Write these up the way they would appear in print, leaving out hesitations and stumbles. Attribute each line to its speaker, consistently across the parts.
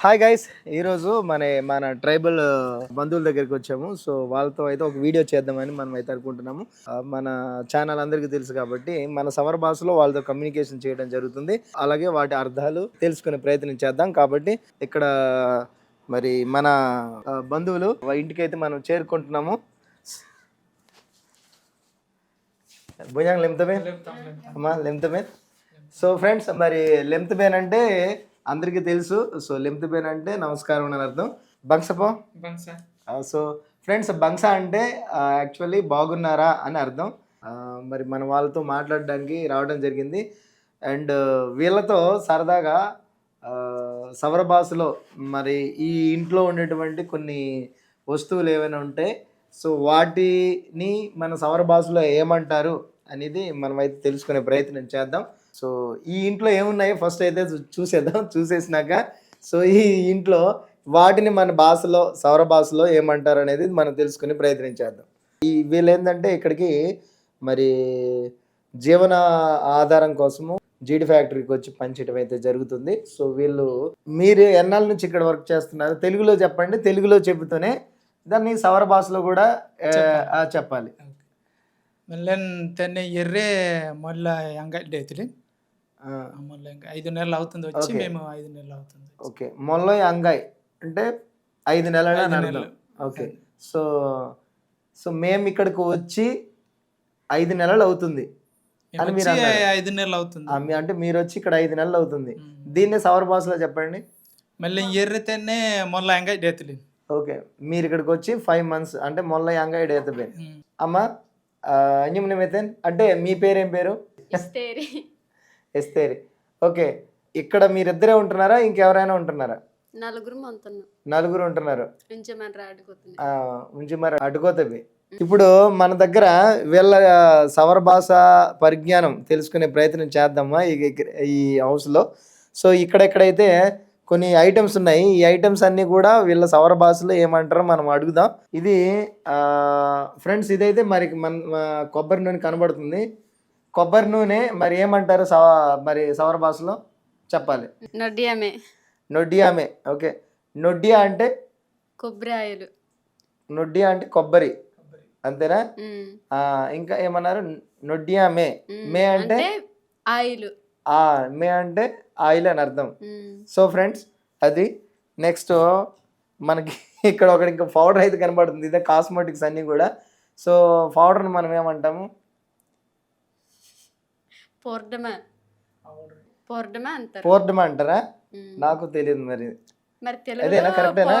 Speaker 1: Hi guys, ఈరోజు మన tribal బంధువుల దగ్గరికి వచ్చాము. సో వాళ్ళతో అయితే ఒక వీడియో చేద్దామని మనం అయితే అనుకుంటున్నాము. మన ఛానల్ అందరికీ తెలుసు కాబట్టి మన సవర భాషలో వాళ్ళతో కమ్యూనికేషన్ చేయడం జరుగుతుంది. అలాగే వాటి అర్థాలు తెలుసుకునే ప్రయత్నం చేద్దాం. కాబట్టి ఇక్కడ మరి మన బంధువులు ఇంటికి అయితే మనం చేరుకుంటున్నాము. భుజంగ్ లెంతమే అమ్మా, లెంతమే. సో ఫ్రెండ్స్, మరి లెంత్ బేన్ అంటే అందరికీ తెలుసు. సో లెంత్ బేన్ అంటే నమస్కారం అని అర్థం. బంగ్సపో సో ఫ్రెండ్స్, బంగ్స అంటే యాక్చువల్లీ బాగున్నారా అని అర్థం. మరి మన వాళ్ళతో మాట్లాడడానికి రావడం జరిగింది. అండ్ వీళ్ళతో సరదాగా సవర భాషలో మరి ఈ ఇంట్లో ఉండేటువంటి కొన్ని వస్తువులు ఏమైనా ఉంటే సో వాటిని మన సవర భాషలో ఏమంటారు అనేది మనం అయితే తెలుసుకునే ప్రయత్నం చేద్దాం. సో ఈ ఇంట్లో ఏమున్నాయో ఫస్ట్ అయితే చూసేద్దాం. చూసేసినాక సో ఈ ఇంట్లో వాటిని మన భాషలో సౌర భాషలో ఏమంటారు అనేది మనం తెలుసుకునే ప్రయత్నం చేద్దాం. వీళ్ళు ఏంటంటే ఇక్కడికి మరి జీవన ఆధారం కోసము జీడి ఫ్యాక్టరీకి వచ్చి పనిచేయడం అయితే జరుగుతుంది. సో వీళ్ళు మీరు ఎన్నాళ్ళ నుంచి ఇక్కడ వర్క్ చేస్తున్నారు? తెలుగులో చెప్పండి. తెలుగులో చెబుతూనే దాన్ని సౌర భాషలో కూడా చెప్పాలి.
Speaker 2: మెల్లెన్ తెన్నే ఎర్రే మొల్ల అంగడి అవుతుంది. మొల్ల ఇంకా 5 నెలలు అవుతుంది వచ్చి. మేము 5 నెలలు అవుతుంది.
Speaker 1: ఓకే, మొల్ల అంగాయ్ అంటే 5 నెలలు అని అర్థం. ఓకే, సో సో మేము ఇక్కడికి వచ్చి 5 నెలలు అవుతుంది అని మీరు
Speaker 2: 5 నెలలు అవుతుంది
Speaker 1: అంటే మీరు వచ్చి ఇక్కడ 5 నెలలు అవుతుంది. దీన్ని సౌర భాషలో చెప్పండి.
Speaker 2: మళ్ళీ ఎర్ర తెన్నే మొల్ల అంగడి అవుతుంది.
Speaker 1: ఓకే, మీరు ఇక్కడికి వచ్చి 5 months అంటే మొల్ల అంగాయ్ డేతబే. అమ్మ అంజుమనమైతేన్ అంటే మీ పేరేం పేరు? ఎస్తేరి. ఓకే, ఇక్కడ మీరిద్దరే ఉంటున్నారా, ఇంకెవరైనా ఉంటున్నారా? నలుగురు ఉంటున్నారు. ఉంచి మరి అడ్డుకోతవి. ఇప్పుడు మన దగ్గర వీళ్ళ సవర భాష పరిజ్ఞానం తెలుసుకునే ప్రయత్నం చేద్దామా ఈ హౌస్లో. సో ఇక్కడెక్కడైతే కొన్ని ఐటమ్స్ ఉన్నాయి. ఈ ఐటమ్స్ అన్నీ కూడా వీళ్ళ సవర భాషలో ఏమంటారో మనం అడుగుదాం. ఇది ఫ్రెండ్స్, ఇదైతే మరి మన కొబ్బరి నూనె కనబడుతుంది. కొబ్బరి నూనె మరి ఏమంటారు మరి సవర భాషలో చెప్పాలి. నొడ్డియామే. ఓకే, నొడ్డియా అంటే
Speaker 2: కొబ్బరి ఆయిల్.
Speaker 1: నొడ్డియా అంటే కొబ్బరి, అంతేనా? ఇంకా ఏమన్నారు? నొడ్డియామే. మే అంటే
Speaker 2: ఆయిల్.
Speaker 1: మే అంటే ఆయిల్ అని అర్థం. సో ఫ్రెండ్స్, అది నెక్స్ట్ మనకి ఇక్కడ ఒకటి ఇంకా పౌడర్ అయితే కనబడుతుంది. ఇదే కాస్మెటిక్స్ అన్నీ కూడా. సో పౌడర్ని మనం ఏమంటాము? పోర్డమా అంటారా? నాకు తెలియదు మరి. అదేనా కరెక్టేనా?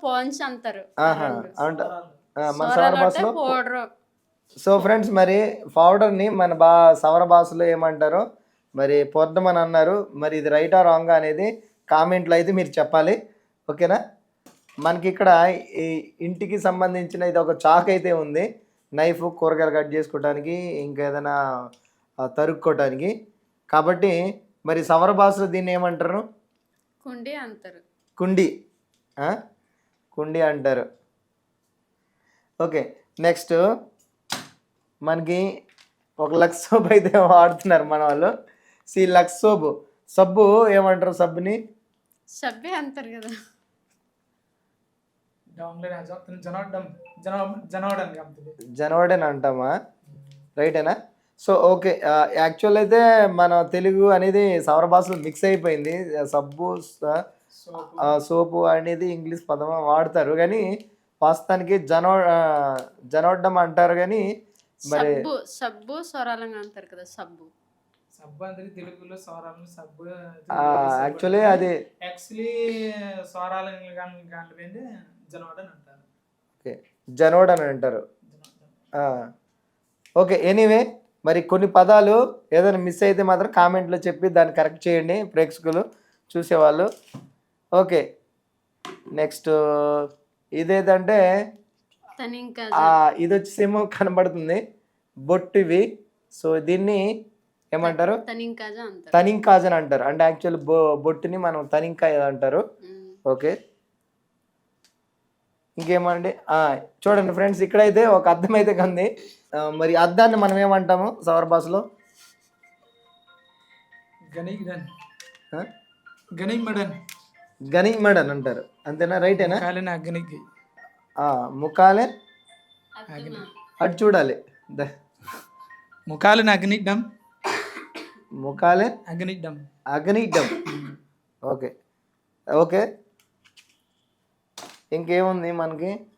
Speaker 1: మన సవర భాషలో. సో ఫ్రెండ్స్, మరి పౌడర్ని మన సవర భాషలో ఏమంటారో మరి పొర్దమని అన్నారు. మరి ఇది రైటా రాంగా అనేది కామెంట్లో అయితే మీరు చెప్పాలి. ఓకేనా? మనకి ఇక్కడ ఈ ఇంటికి సంబంధించిన ఇది ఒక చాక్ అయితే ఉంది. నైఫ్ కూరగాయలు కట్ చేసుకోవడానికి, ఇంకా ఏదైనా తరుక్కోవడానికి. కాబట్టి మరి సవర భాషలో దీన్ని ఏమంటారు?
Speaker 2: కుండి అంటారు.
Speaker 1: కుండి అంటారు. ఓకే, నెక్స్ట్ మనకి ఒక లక్స్ సోప్ అయితే వాడుతున్నారు మన వాళ్ళు. లక్స్ సబ్బు ఏమంటారు? సబ్బుని
Speaker 2: సబ్బే అంటారు కదా.
Speaker 1: జనవడని అంటామా? రైటేనా? సో ఓకే, యాక్చువల్ అయితే మన తెలుగు అనేది సౌర భాషలో మిక్స్ అయిపోయింది. సబ్బు సోపు అనేది ఇంగ్లీష్ పదం వాడతారు, కానీ వాస్తవానికి జనవడ్డం అంటారు. కానీ మరి
Speaker 2: సబ్బు స్వరాలంగా అంటారు కదా.
Speaker 1: తెలుగులో యాక్చువల్లీ అది జనోడ్ అని అంటారు. ఓకే, ఎనీవే, మరి కొన్ని పదాలు ఏదైనా మిస్ అయితే మాత్రం కామెంట్లో చెప్పి దాన్ని కరెక్ట్ చేయండి ప్రేక్షకులు, చూసేవాళ్ళు. ఓకే, నెక్స్ట్ ఇదేంటంటే ఇది వచ్చేసేమో కనబడుతుంది బొట్టు ఇవి. సో దీన్ని ఏమంటారు? తనింకాజ్ అని అంటారు. అంటే యాక్చువల్ బొట్టుని మనం తనింకాయ అంటారు. ఓకే, ఇంకేమండి? చూడండి ఫ్రెండ్స్, ఇక్కడైతే ఒక అద్దం అయితే కంది. మరి అద్దాన్ని మనం ఏమంటాము సౌర భాషలో? గనిమడ్ అని అంటారు, అంతేనా? రైటేనా?
Speaker 2: ముఖాలని అగ్నికి
Speaker 1: ముఖాలే అటు చూడాలి.
Speaker 2: ముఖాలని అగ్నిడ్డం
Speaker 1: ముఖాలే
Speaker 2: అగ్నిడ్డం
Speaker 1: అగ్నిడ్డం. ఓకే ఓకే, ఇంకేముంది మనకి?